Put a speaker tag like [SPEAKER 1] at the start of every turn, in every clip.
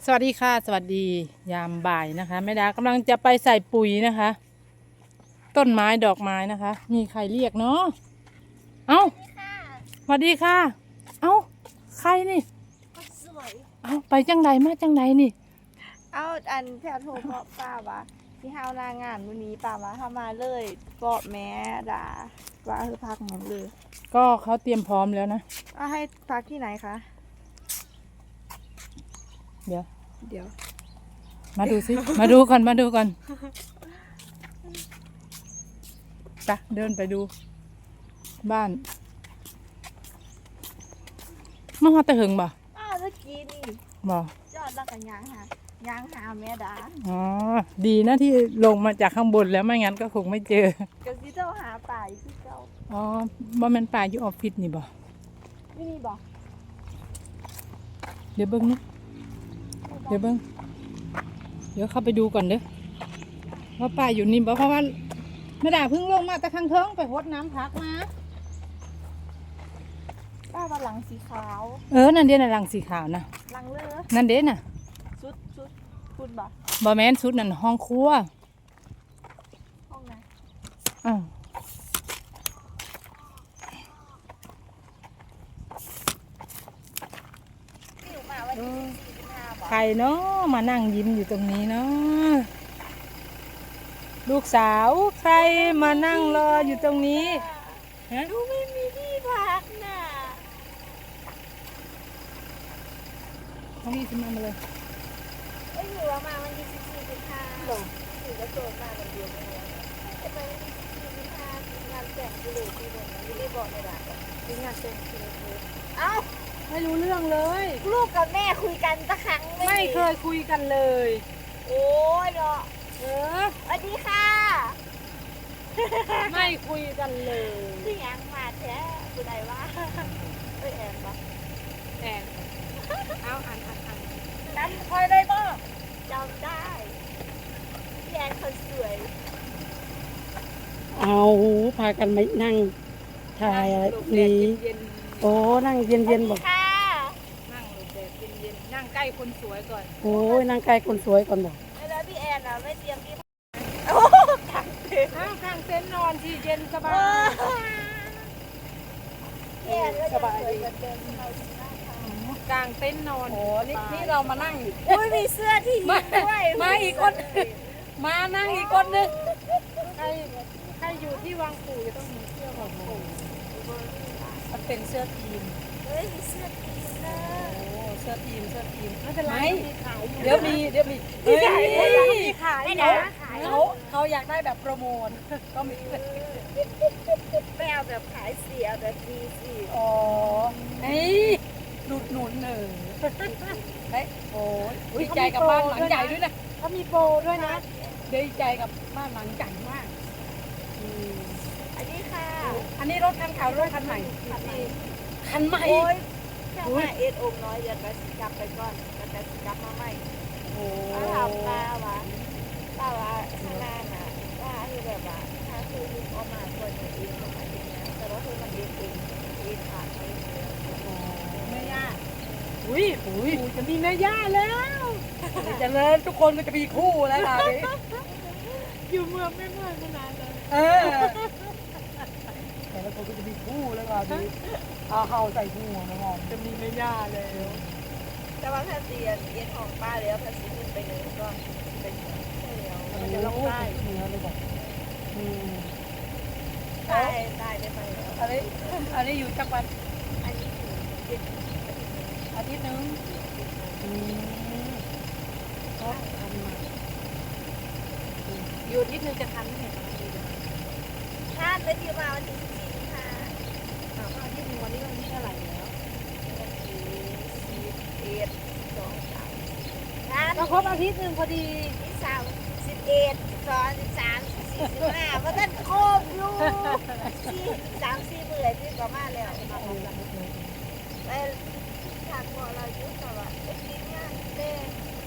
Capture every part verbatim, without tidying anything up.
[SPEAKER 1] สวัสดีค่ะสวัสดียามบ่ายนะคะแม่ดากำลังจะไปใส่ปุ๋ยนะคะ ต้นไม้ดอกไม้นะคะ มีใครเรียกเนาะเอ้าสวัสดีค่ะเอ้าใครนี่
[SPEAKER 2] สวย
[SPEAKER 1] เอ้าไปจังใดมาจังใดนี่
[SPEAKER 2] เอาอันแพรโทรเพราะป้าวะที่ห้าวนางานวันนี้ป้าวะเข้ามาเลยเกาะแม่ด่าว่าคือพักหมดเลย
[SPEAKER 1] ก็เขาเตรียมพร้อมแล้วนะ
[SPEAKER 2] เอาให้พักที่ไหนคะ
[SPEAKER 1] เดี๋ยว
[SPEAKER 2] เดี๋ยว
[SPEAKER 1] มาดูสิ มาดูก่อนมาดูก่อนไปเดินไปดูบ้านมาหอตะหึงบ่
[SPEAKER 2] อ้าวเมื่อกี้นี่
[SPEAKER 1] บ่
[SPEAKER 2] จอดแล้วกันยางหายางหาแม่ด่า
[SPEAKER 1] อ๋อดีนะที่ลงมาจากข้างบนแล้วไม่งั้นก็คงไม่เจอก
[SPEAKER 2] ะซิเจ้าหาป่าอยู่ที่เจ้า
[SPEAKER 1] อ๋อบ่แม่นป่าอยู่ออฟฟิศนี่บ่
[SPEAKER 2] ไม่มีบ่
[SPEAKER 1] เดี๋ยวเบิ่งนะเดี๋ยวเบิ่งเดี๋ยวเข้าไปดูก่อนเด้อว่าป่าอยู่นี่บ่เพราะว่าแม่ดาเพิ่งลงมาแต่ข้างเทิงไปรดน้ำพักมา
[SPEAKER 2] ป้าว่าหลังสีขาว
[SPEAKER 1] เออนั่นเด้น่ะหลังสีขาวนะ
[SPEAKER 2] หลังเลือ
[SPEAKER 1] นั่นเด้น่ะ
[SPEAKER 2] ชุดชุดคุณบ่
[SPEAKER 1] บ่แม่นชุดนั่นห้องครัว
[SPEAKER 2] ห้องไหน
[SPEAKER 1] อ้าวใครเนาะมานั่งยิ้มอยู่ตรงนี้เนาะลูกสาวใครมานั่งรออยู่ตรงนี้ฮะ
[SPEAKER 2] ดูไม่มีที่พักน่ะ
[SPEAKER 1] เขามีขึ้นมาเลย
[SPEAKER 2] ไม่อยู่ว่ามาวันที่สิบสี่สิบห้าถือกระโจนมาวันเดียวไม่ได้ทำไมวันที่สิบสี่สิบห้างานแต่งกิเลสที่บนนั้นไม่ได้บอกในหลักมีงานแต่งกิเลสเอ้า
[SPEAKER 1] ไม่รู้เรื่องเลย
[SPEAKER 2] ลูกกับแม่คุยกันสักครั้ง
[SPEAKER 1] ไม่เคยคุยกันเลย
[SPEAKER 2] โอ้ยเนาะ
[SPEAKER 1] เออ
[SPEAKER 2] สวัสดีค่ะ
[SPEAKER 1] ไม่คุยกันเลย
[SPEAKER 2] ที่ยังมาแท้คุณไหนวะเอ้ยแอนปะ
[SPEAKER 1] แอนเอาอ่านอ่านอ่าน
[SPEAKER 2] จำคอยได้ป่ะจำได้พี่แอนคนสวย
[SPEAKER 3] เอาพากันมานั่งถ่ายอะไรนี่โอ้นั่งเย็นเย็นบอก
[SPEAKER 1] นั่งแบบเย็นๆนั่งใกล้คนสวยก่อน
[SPEAKER 3] โอ้ยนั่งใกล้คนสวยก่อนบอก
[SPEAKER 2] แล้วพี่แอนอ่ะไม่เตรียมที่
[SPEAKER 1] กางเต็นท์กางเต็นท์นอนที่เย็นสบาย
[SPEAKER 2] พี่แอนก็สบายดี
[SPEAKER 1] กางเต็นท์นอน
[SPEAKER 3] โอ้นี่นี่เรามานั่ง
[SPEAKER 2] อุ้ยมีเสื้อทีด้วย
[SPEAKER 1] มาอีกคนมานั่งอีกคนนึงใครใครอยู่ที่วังปู่จะต้องมีเสื้อของปู่มันเป็นเสื้อทีม
[SPEAKER 2] เฮ้ยมีเสื้อทีมนะ
[SPEAKER 1] โอ้เสื้อทีมเสื้อทีมไม่เป็นไร
[SPEAKER 3] เดี๋ยวมีเดี๋ยวมี
[SPEAKER 1] เฮ้ยมีขาย
[SPEAKER 3] เขาเขาเขาอยากได้แบบโปรโมทก็มี
[SPEAKER 2] ไม่เอาแบบขายเสียแบบดีสิ
[SPEAKER 3] อ๋อเฮ้ยหนุนหนุนเนอเฮ้ยโอ้ยดีใจกับบ้านหลังใหญ่ด้วยนะ
[SPEAKER 1] เขามีโปรด้วยนะ
[SPEAKER 3] ดีใจกับบ้านหลังใหญ่มาก
[SPEAKER 2] อันนี้ค่ะ
[SPEAKER 3] อันนี้รถคันขาวรถคันใหม่
[SPEAKER 2] คันใหม่
[SPEAKER 3] คันใหม่
[SPEAKER 2] โอ้ยแค่มาเอ็ดองน้อยเดี๋ยวไปสิกลับไปก่อนแล้วไปสิกลับมาใหม่
[SPEAKER 3] โอ้
[SPEAKER 2] ถามป้าวะป้าวะข้างหน้าน่ะว่าคือแบบว่าถ้าคือลุกออกมาคนเองประมาณนี้นะแต่ว่าคือมันเองเองเองผ่านเอง
[SPEAKER 1] แม่ย่าอุ้ยอุ้ยจะมีแม่ย่าแล้ว
[SPEAKER 3] จะเลิศทุกคนก็จะมีคู่แล้วล่ะ
[SPEAKER 1] อยู่เมืองไม่เมืองมานานเลย
[SPEAKER 3] เออแต่ละคนก็จะมีคู่แล้วล่ะดิเอาเข้าใส่คู่นะมอม
[SPEAKER 1] จะมีแม่ย่าเลย
[SPEAKER 2] แต่ว่าถ้าเตียนเตียนของป้าแล้วภาษีขึ้นไปเลยก็เป็นใช่แล้ว
[SPEAKER 3] มันจะลงได้เนื้อเลยบอกอืม
[SPEAKER 2] ได้ได้ได้ไปแล้ว
[SPEAKER 3] อันนี้อันนี้อยู่จังหวัด
[SPEAKER 2] อันนี้อยู่เจ็ด
[SPEAKER 3] อาทิตย์นึงอืมก็ทำมา
[SPEAKER 1] อยู่อาทิตย์นึงจะทันไหม
[SPEAKER 2] ท่านได้ที่มาวันที่สิบสี่ค่ะ
[SPEAKER 1] ถามว่าอาทิตย์นึงวันนี้วันที่เท่าไหร่แล้ว
[SPEAKER 2] วันที่สิบเอ็ดสองสาม
[SPEAKER 1] ท่านก็ครบอาทิตย์นึงพอดี
[SPEAKER 2] ที่สามสิบเอ็ดสองสิบสามสิบสี่สิบห้าเพราะท่านครบลูกสี่สามสี่หมื่นที่ประมาณแล้วมาครบแล้วไปทางพอเรายุ่งแต่ว่าไอ้กินงานเต้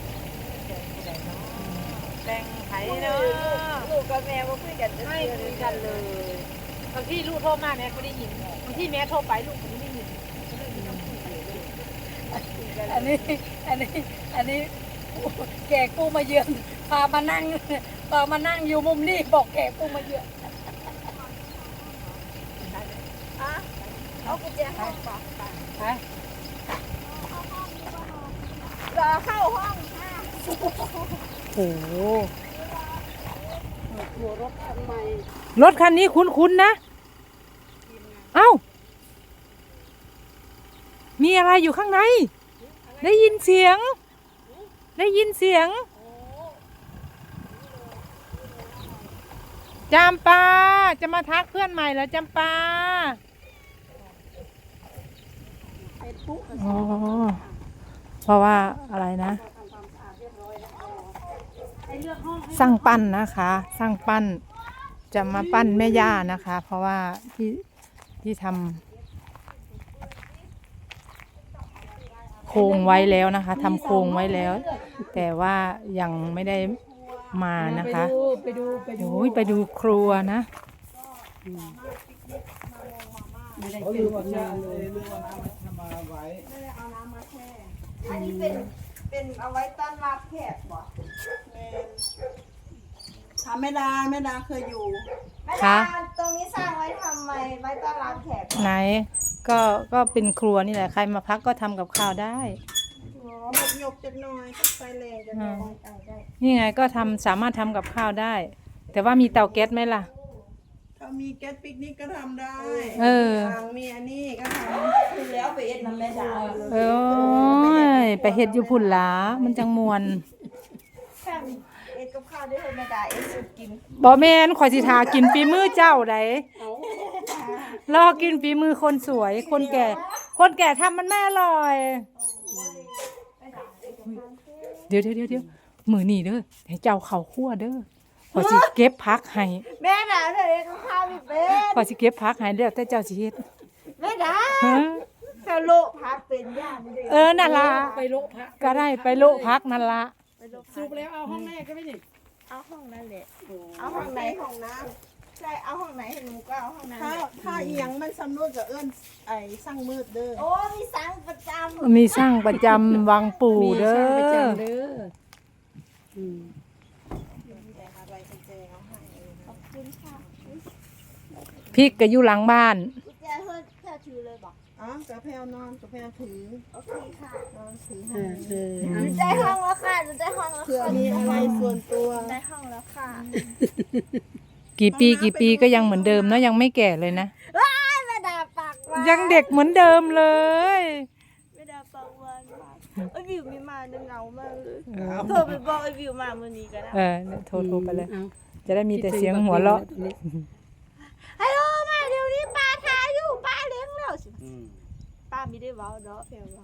[SPEAKER 1] แบ่งไผ่เนาะ
[SPEAKER 2] ลูกกับแม่ก็คุยกัน
[SPEAKER 1] ไม่คุยกันเลยบางที่ลูกโทรมาแม่ก็ได้ยินบางที่แม่โทรไปลูกก็ไม่ได้ยิน
[SPEAKER 3] อันนี้อันนี้อันนี้แขกผู้มาเยือนพามานั่งพามานั่งอยู่มุมนี้บอกแขกผู้มาเยือน
[SPEAKER 2] อ่ะเอากุญแจห้องก่อน
[SPEAKER 3] ไป
[SPEAKER 2] รอเข้าห้องค่ะ
[SPEAKER 1] โอ้โห
[SPEAKER 3] หัวรถคันใหม่
[SPEAKER 1] รถคันนี้คุ้นๆนะ เอ้า มีอะไรอยู่ข้างใน ได้ยินเสียง ได้ยินเสียง จำปา จะมาทักเพื่อนใหม่เหรอจำปา
[SPEAKER 3] เป็นปุ๊ก
[SPEAKER 1] อ๋อ เพราะว่าอะไรนะ สร้างปั้นนะคะ สร้างปั้น จะมาปั้นแม่ย่านะคะ เพราะว่าที่ที่ทำโครงไว้แล้วนะคะทำโครงไว้แล้ว แต่ว่ายังไม่ได้มานะคะ
[SPEAKER 3] ไปดูไปดู
[SPEAKER 1] โอ้ยไปดูครัวนะ
[SPEAKER 3] ไม่ได้เป็นผลงานเลย
[SPEAKER 2] อันนี้เป็นเป็นเอาไว้ต้อนรับแขกบ่
[SPEAKER 4] ถามแม่ดาแม่ดาเคยอยู่
[SPEAKER 2] แม่
[SPEAKER 1] คะ
[SPEAKER 2] ดาตรงนี้สร้างไว้ทำไมไว้ต้อนรับแขก
[SPEAKER 1] ไหนก็ก็เป็นครัวนี่แหละใครมาพักก็ทำกับข้าวได้
[SPEAKER 4] อ๋อหมกหยกจักหน่อยต้องไฟแรงจักหน่อย
[SPEAKER 2] ได้ได้
[SPEAKER 1] นี่ไงก็ทำสามารถทำกับข้าวได้ แต่ว่ามีเตาแก๊สไหมล่ะ
[SPEAKER 4] ถ้ามีแก๊สปิกนิกก็ทำได้
[SPEAKER 1] เออ
[SPEAKER 4] ทางมีอันนี้ก็ท
[SPEAKER 2] คือแล้วไปเอ็ดน้ำแม่ดาเลย
[SPEAKER 1] เอ้ยไปเฮ็ดอยู่พุ่นหลามันจังมวน
[SPEAKER 2] แค่เอ็ดกับข้าวได้เลยแม่ดาเอ็ดสุดกิน
[SPEAKER 1] บ่แม่นข่อยสิทากินฝีมือเจ้าไดรอกินฝีมือคนสวย คนแก่ คนแก่ทำมันไม่อร่อย เดี๋ยวเดี๋ยวเดี๋ยวเดี๋ยวมือนี่เด้อให้เจ้าเข้าครัวเด้อข่อยสิเก็บผักให้
[SPEAKER 2] แม่ดาเธอเอ็ดกับข้าวไม่เป็น
[SPEAKER 1] ข่อยสิเก็บผักให้แล้วแต่เจ้าสิเฮ็ด
[SPEAKER 2] แม่ดา
[SPEAKER 1] ฮะ
[SPEAKER 2] เธอโลพักเป็นย่านเลย
[SPEAKER 1] เออนั่นล่ะ
[SPEAKER 3] ไปโลพระ
[SPEAKER 1] ก็ได้ไปโละผักนั่นล่ะ
[SPEAKER 2] ไปโล
[SPEAKER 3] สรุปแล้วเอาห้องแรกก็ไม่นี่
[SPEAKER 2] เอาห้องนั้นแหละ
[SPEAKER 4] ำ
[SPEAKER 2] เอาห้องไหน
[SPEAKER 4] ห้องน้
[SPEAKER 2] ใช่เอาห้องไหนให้หนูก็เอาห้องนั้น
[SPEAKER 4] ำถ้า
[SPEAKER 2] แหละ
[SPEAKER 4] ถ้าเอียงมันสำรวจกับเอื้อนไอ้สร้างมืดเด้อ
[SPEAKER 2] โอ้มีสังประจำ
[SPEAKER 1] มีสร้างประจำวังปู่เด้
[SPEAKER 3] มีช่างประ
[SPEAKER 1] อ
[SPEAKER 3] จำเด้ออืม
[SPEAKER 4] แต่อะไรกุญแจเอาให้เอง
[SPEAKER 2] ขอบคุณค่ะ
[SPEAKER 1] พริกก็อยู่หลังบ้าน
[SPEAKER 2] กุญแจเธอเธอถือเลยบอก
[SPEAKER 4] อ๋อกระเพรานอนกระเพราถือ
[SPEAKER 2] โอเคค่ะ
[SPEAKER 4] นอนถือ
[SPEAKER 3] เอ
[SPEAKER 4] ให้
[SPEAKER 3] อเออ
[SPEAKER 2] หนูได้ห้องแล้วค่ะหนูได้ห้องแล้ว
[SPEAKER 4] เผื่อ
[SPEAKER 2] ค่ะ
[SPEAKER 4] มีอะไรส่วนตัว
[SPEAKER 2] ได้ห้องแล้วค่ะ
[SPEAKER 1] กี่ปีกี่ปีก็ยังเหมือนเดิมเนาะยังไม่แก่เลยนะ
[SPEAKER 2] ว้ายแม่ดาปากหวาน
[SPEAKER 1] ยังเด็กเหมือนเดิมเลย
[SPEAKER 2] แม่ดาปากหวานมากไอ้วิวมีมาเงามากเลย
[SPEAKER 1] เออ
[SPEAKER 2] โทรไปบอกไอ้วิวมาเมื่อนี้ก็ได้
[SPEAKER 1] เออโทรโทรไปเลย
[SPEAKER 3] อา
[SPEAKER 1] จะได้มีแต่เสียงหัวเราะ
[SPEAKER 2] ฮัลโหลมาเดี๋ยวนี้ป้าทาอยู่ป้าเลี้ยงแล้วสิป้าไม่ได้เว้าเนาะแพรเว้า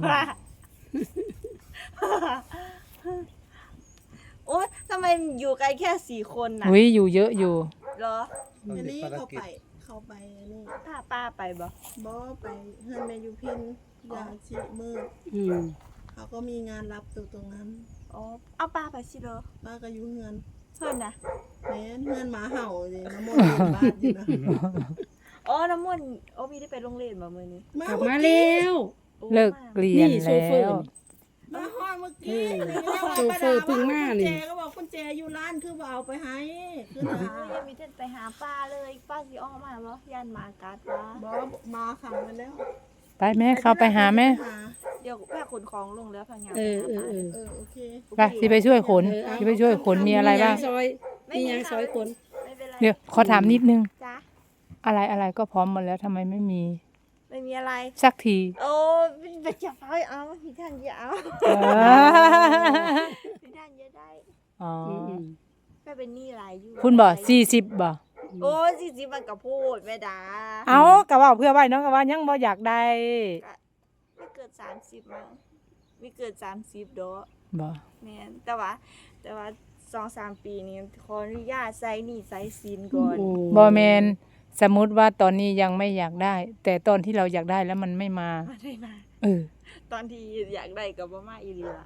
[SPEAKER 2] โอ๊ยทำไมอยู่กันแค่สี่คนน่ะ
[SPEAKER 1] อุ้ยอยู่เยอะอยู่
[SPEAKER 2] เหรอ
[SPEAKER 4] อันนี้เขาไปเขาไปอันนี้
[SPEAKER 2] พาป้าไปบ่
[SPEAKER 4] บอไปเฮือนแม่ยูพินยาชีมืด
[SPEAKER 3] อืม
[SPEAKER 4] เขาก็มีงานรับอยู่ตรงนั้น
[SPEAKER 2] อ๋อเอาป้าไปสิเด้อ
[SPEAKER 4] ป้าก็อยู่เฮือน
[SPEAKER 2] เพื่อนนะ
[SPEAKER 4] แม่นเฮือนหมาเห่าเลยน้ำมนต์อยู่บ้านอยู่นะ
[SPEAKER 2] อ๋อน้ำมนต์โอ้มีได้ไปโรงเรียนบ่มื้อนี้
[SPEAKER 3] กลับมาแล้ว
[SPEAKER 2] โอ้
[SPEAKER 1] เลิกเรียน
[SPEAKER 3] นี่โซ
[SPEAKER 1] แล้
[SPEAKER 3] เฟอร์
[SPEAKER 1] ว
[SPEAKER 4] มาห้อยเมื่อกี้
[SPEAKER 3] โซเฟอร์เพิ่งมานี่
[SPEAKER 4] กุญแจก็บอกกุญแจอยู่ร้านคือว่าเอาไปให้คือ
[SPEAKER 2] โอ้
[SPEAKER 4] หาย
[SPEAKER 2] ยังมีเท่านไปหาป้าเลยป้าสิออกมาบ่ย่านหมากัดป้า
[SPEAKER 4] บอมาขังไปแล้ว
[SPEAKER 1] ไปแม่เข้าไปหาแม่
[SPEAKER 4] หา
[SPEAKER 2] เดี๋ยวแม่ขนของลงแล้วพังงาน
[SPEAKER 3] เออเออเออ
[SPEAKER 4] เออโอเค
[SPEAKER 1] ไปสิไปช่วยขนสิไปช่วยขนมีอะไรบ้าง
[SPEAKER 3] มียซอยมียางซอยคน
[SPEAKER 2] ไม่เป็นไร
[SPEAKER 1] เดี๋ยวขอถามนิดนึง
[SPEAKER 2] จ้ะ
[SPEAKER 1] อะไรอะไรก็พร้อมหมดแล้วทำไมไม่มี
[SPEAKER 2] ไม่มีอะไร
[SPEAKER 1] สักที
[SPEAKER 2] โอ้ไปจับไฟเอาพี่ท่านอย่าเอา
[SPEAKER 1] เออ
[SPEAKER 2] พี่ท่านอย่าได้
[SPEAKER 1] อ๋อ
[SPEAKER 3] อืม
[SPEAKER 2] แม่เป็นหนี้หลายอยู่
[SPEAKER 1] คุณบอกสี่สิบบ่
[SPEAKER 2] โอ้สี่สิบมันก็พูดแม่ดา
[SPEAKER 1] เอากะว่าเพื่อไว้เน้องกะว่ายังบ่อยากได้
[SPEAKER 2] ไม่เกิดสามสิบมั้งไม่เกิดสามสิบดอก
[SPEAKER 1] บ่
[SPEAKER 2] แม่นแต่ว่า แต่ว่าสองสามปีนี้ขออนุญาตใส่หนี้ใส่สินก่อน
[SPEAKER 3] โอ้
[SPEAKER 1] บ่แมนสมมุติว่าตอนนี้ยังไม่อยากได้ แต่ตอนที่เราอยากได้แล้วมันไม่มา
[SPEAKER 2] มาได้มา
[SPEAKER 1] เออ
[SPEAKER 2] ตอนที่อยากได้กับบ่มาอีหลีละ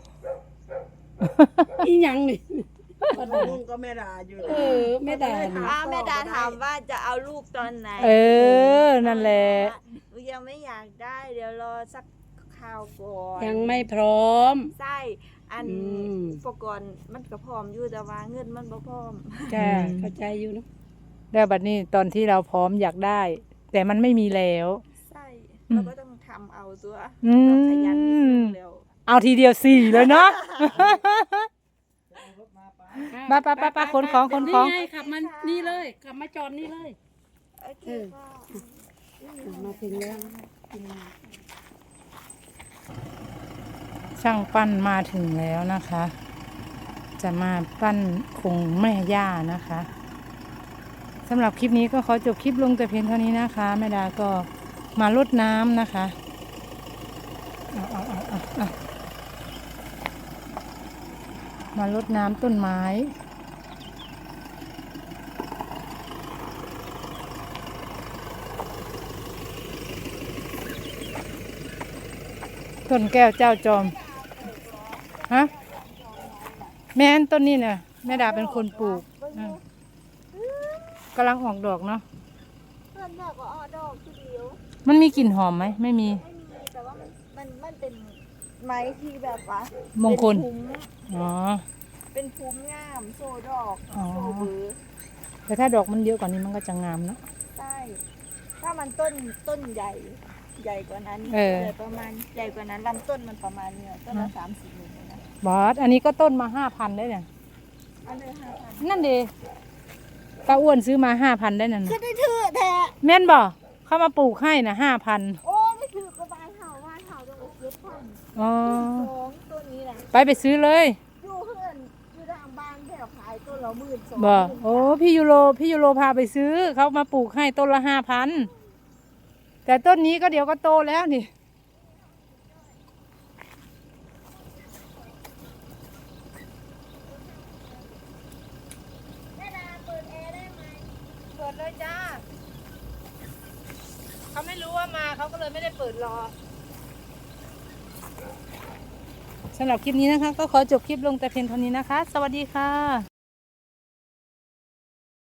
[SPEAKER 3] อีหยังนี่
[SPEAKER 4] ลุงก็ไม่ด่าอยู่
[SPEAKER 3] เออแม่ดานี่
[SPEAKER 2] อ้าวแม่ดาถามว่าจะเอาลูกตอนไหน
[SPEAKER 1] เออนั่นแหละ
[SPEAKER 2] หนูยังไม่อยากได้ เดี๋ยวรอสักคราวก่อน
[SPEAKER 3] ยังไม่พร้อม
[SPEAKER 2] ใช่อัน
[SPEAKER 3] อืม
[SPEAKER 2] อุปกรณ์มันก็พร้อมอยู่แต่ว่าเงินมันบ่พร้อม
[SPEAKER 1] จ้า
[SPEAKER 3] เข้าใจอยู่เนอะ
[SPEAKER 1] แล้วบัดนี้ตอนที่เราพร้อมอยากได้ แต่มันไม่มีแล้ว
[SPEAKER 2] ใช่
[SPEAKER 1] อืม
[SPEAKER 2] เราก็ต้องทำเอาตัว
[SPEAKER 1] อืม
[SPEAKER 2] เราขยันนิดนึงแล้ว
[SPEAKER 1] เอาทีเดียวสี่เลยเนาะ ไปไปไปไปขนของขนของ
[SPEAKER 3] นี่ไงขับมานี่เลยขับมาจอดนี่เลย
[SPEAKER 2] โอเค
[SPEAKER 3] เออ
[SPEAKER 2] พ่อ
[SPEAKER 3] มาถึงแล้ว
[SPEAKER 1] ช่างปั้นมาถึงแล้วนะคะ จะมาปั้นคงแม่ย่านะคะสำหรับคลิปนี้ก็ขอจบคลิปลงแต่เพียงเท่านี้นะคะแม่ดาก็มารดน้ำนะคะเอาเอาเอาเอาเอามารดน้ำต้นไม้ต้นแก้วเจ้าจอมฮะแม่นต้นนี้เนี่ยแม่ดาเป็นคนปลูกอืมกำลังออกดอกเนาะ
[SPEAKER 2] เพื่อนแม่ก็ออดอกทีเดียว
[SPEAKER 1] มันมีกลิ่นหอมไหมไม่มี
[SPEAKER 2] ไม่มีแต่ว่ามันมันมันเป็นไม้ที่แบบว่าม
[SPEAKER 1] งคล
[SPEAKER 2] เป็นภูมิ
[SPEAKER 1] อ๋อ
[SPEAKER 2] เป็นภูมิงามโซดอก
[SPEAKER 1] อ๋อ
[SPEAKER 2] โซเบือ
[SPEAKER 1] แต่ถ้าดอกมันเยอะกว่านี้มันก็จะงามเนาะ
[SPEAKER 2] ใช่ถ้ามันต้นต้นใหญ่ใหญ่กว่านั้น
[SPEAKER 1] เออ
[SPEAKER 2] ใหญ่ประมาณใหญ่กว่านั้นลำต้นมันประมาณเนี่ยต้นละสามสิบเลยนะ
[SPEAKER 1] บอสอันนี้ก็ต้นมาห้าพันได้เนี่ย
[SPEAKER 2] อันเลยห้าพัน
[SPEAKER 1] นั่นเดป้าอ้วนซื้อมาห้าพันได้นั่น
[SPEAKER 2] คื
[SPEAKER 1] น่ะ
[SPEAKER 2] อได้ถือแท้
[SPEAKER 1] แม่นบ่เข้ามาปลูกให้นะห้าพัน
[SPEAKER 2] โอ้ไม่ถือกระบาลเห่าว่าเห่าต้องเอาเก็บพัน
[SPEAKER 1] อ๋อ
[SPEAKER 2] สองต้นนี้นะ
[SPEAKER 1] ไปไปซื้อเลย
[SPEAKER 2] อยู่เพื่อนอยู่ทางบ้านแถวขายต้นละหมื่นสอง
[SPEAKER 1] บ่โอ้พี่ยูโรพี่ยูโรพาไปซื้อเขามาปลูกให้ต้นละห้าพันแต่ต้นนี้ก็เดี๋ยวก็โตแล้วนี่
[SPEAKER 2] แม่ดาเปิดแอร์ได้ไหม
[SPEAKER 1] เปิดเลยจ้าเขาไม่รู้ว่ามาเขาก็เลยไม่ได้เปิดรอสำหรับคลิปนี้นะคะ ก็ขอจบคลิปลงแต่เพียงเท่านี้นะคะ สวัสดีค่ะ